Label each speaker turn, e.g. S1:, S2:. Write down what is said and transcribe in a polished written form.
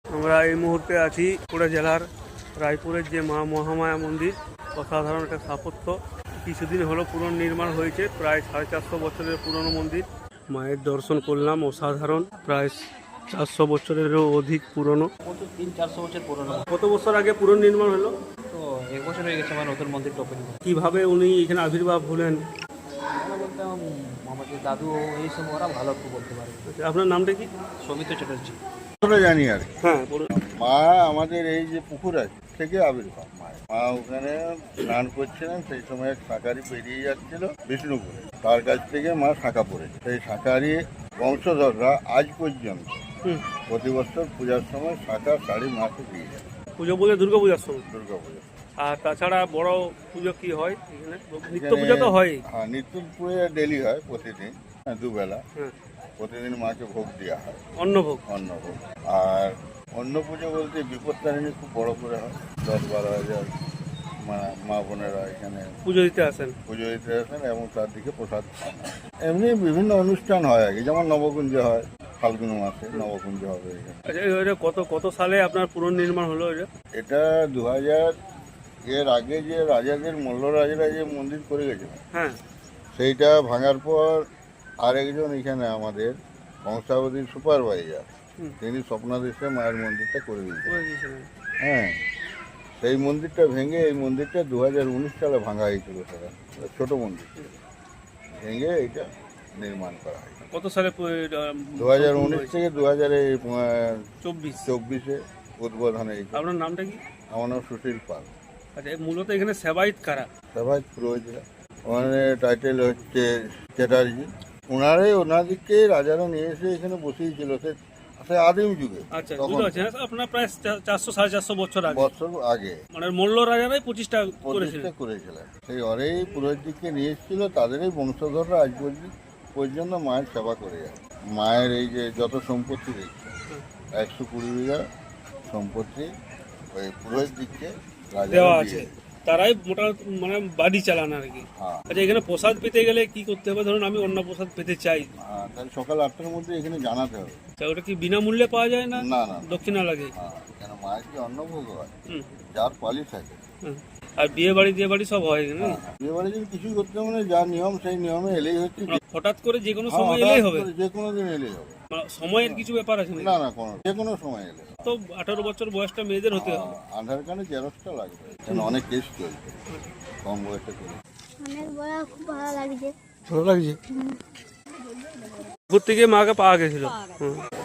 S1: আমরা এই মুহূর্তে আছি পুরো জেলার রায়পুরের যে মা মহামায়া মন্দির, অসাধারণ একটা স্থাপত্য। কিছুদিন হলো পুনর্নির্মাণ হয়েছে, প্রায় 450 বছরের পুরনো মন্দির। মায়ের দর্শন করলাম, অসাধারণ, প্রায় 400 বছরেরও অধিক পুরনো।
S2: 300-400 বছর পুরনো।
S1: কত বছর আগে পুনর্নির্মাণ হলো?
S2: তো 1 বছর হয়ে গেছে আমার নতুন মন্দিরটা ওপেন করে।
S1: কিভাবে উনি এখানে আবির্ভাব হলেন?
S2: আমরা বলতাম আমাদের দাদু এই সময় ওরা ভালো একটু বলতে পারে।
S1: আপনার নামটা কি?
S2: সৌমিত্র চ্যাটার্জি।
S3: জানি আর কি।
S1: হ্যাঁ বলুন।
S3: মা আমাদের এই যে পুকুর আছে থেকে আবির্ভাব মা ওখানে স্নান করছিলেন, সেই সময় এক শাঁখারি পেরিয়ে যাচ্ছিল বিষ্ণুপুরে, তার কাছ থেকে মা শাঁখা পড়েছে। সেই শাঁখারি বংশধররা আজ পর্যন্ত প্রতি বছর পূজার সময় শাঁখা শাড়ি মাকে দিয়ে যায়।
S1: পুজো বলে দুর্গা পূজার সময়?
S3: দুর্গা পুজো।
S1: আর তাছাড়া বড় পুজো কি হয় এখানে? নিত্য পুজো তো হয়।
S3: হ্যাঁ, নিত্য পুজো ডেলি হয়, প্রতিদিন দুবেলা।
S1: হ্যাঁ,
S3: প্রতিদিন মাকে ভোগ দেওয়া হয়,
S1: অন্নভোগ।
S3: অন্নভোগ। আর অন্য পুজো বলতে বিপত্তারিণী খুব বড় করে হয়, 10-12 হাজার মা বোনেরা এখানে
S1: পুজো দিতে আসেন
S3: এবং তার দিকে প্রসাদ খান। এমনি বিভিন্ন অনুষ্ঠান হয় আগে, যেমন নবকুঞ্জ হয়, ফাল্গুন মাসে নবকুঞ্জ হবে এখানে।
S1: আচ্ছা, এটা কত সালে আপনার পুনর্নির্মাণ হলো এটা?
S3: এটা 2000 এর আগে যে রাজাদের মল্লরাজরা যে মন্দির করে গেছিল,
S1: হ্যাঁ,
S3: সেইটা ভাঙার পর আরেকজন এখানে আমাদের বংশাবলীর সুপারভাইজার, তিনি স্বপ্নাদেশে মায়ের মন্দিরটা করে দিয়েছিলেন। হ্যাঁ, সেই মন্দিরটা ভেঙে এই মন্দিরটা 2019 সালে ভাঙা হয়েছিল। সেটা ছোট মন্দির ভেঙে এইটা নির্মাণ করা হয়।
S1: কত সালে?
S3: 2019 থেকে 2024 উদ্বোধন হয়েছে।
S1: আপনার নামটা কি?
S3: আমার নাম সুশীল পাল।
S1: আচ্ছা, মূলত এখানে সেবায়িত কারা?
S3: সবাই পুরোহিতরা। ওখানে টাইটেল হচ্ছে চ্যাটার্জি। ওনাদেরকে রাজারা নিয়ে এসে এখানে বসিয়েছিল সে আদিম যুগে।
S1: আচ্ছা, বুঝতে পারছি। আপনার প্রায় 400-450 বছর
S3: আগে
S1: মানে মল্ল রাজারাই প্রতিষ্ঠা
S3: করেছিলেন। সেই অরেই পুরোহিতকে নিয়ে এসেছিল, তাদেরই বংশধররা আজ পর্যন্ত মায়ের সেবা করে যায়। মায়ের এই যে যত সম্পত্তি দেখছে, 120 বিঘা সম্পত্তি ওই পুরোহিত দিককে
S1: দেওয়া আছে, তারাই মোটা মানে বাড়ি চালান আর কি। আচ্ছা, এখানে প্রসাদ পেতে গেলে কি করতে হবে? ধরুন আমি অন্য প্রসাদ পেতে চাই,
S3: তাহলে সকাল 8টার মধ্যে এখানে জানাতে হবে।
S1: ওটা কি বিনামূল্যে পাওয়া যায় না?
S3: না,
S1: দক্ষিণা লাগে?
S3: কেন মায়ের কি অন্নভোগ হয়, যার পালি থাকে।
S1: আর বিয়ে বাড়ি সব হয় এখানে?
S3: বিয়ে বাড়ি যদি কিছুই করতে হবে না, যা নিয়ম সেই নিয়মে এলেই হচ্ছে।
S1: হঠাৎ করে যে কোনো সময় এলেই হবে?
S3: যে কোনো দিন এলেই হবে।
S1: সময়ের কিছু ব্যাপার আছে
S3: না, যে কোনো সময় এলে।
S1: তো 18 বছর বয়সটা মেয়েদের হতে হবে।
S3: আধার কার্ডে জেরক্সটা লাগবে, কেন অনেক কেস চলছে কম বয়সে করে।
S4: খুব ভালো লাগছে।
S1: ভালো লাগছে। ঘুরতে গিয়ে মাকে পাওয়া গেছিল।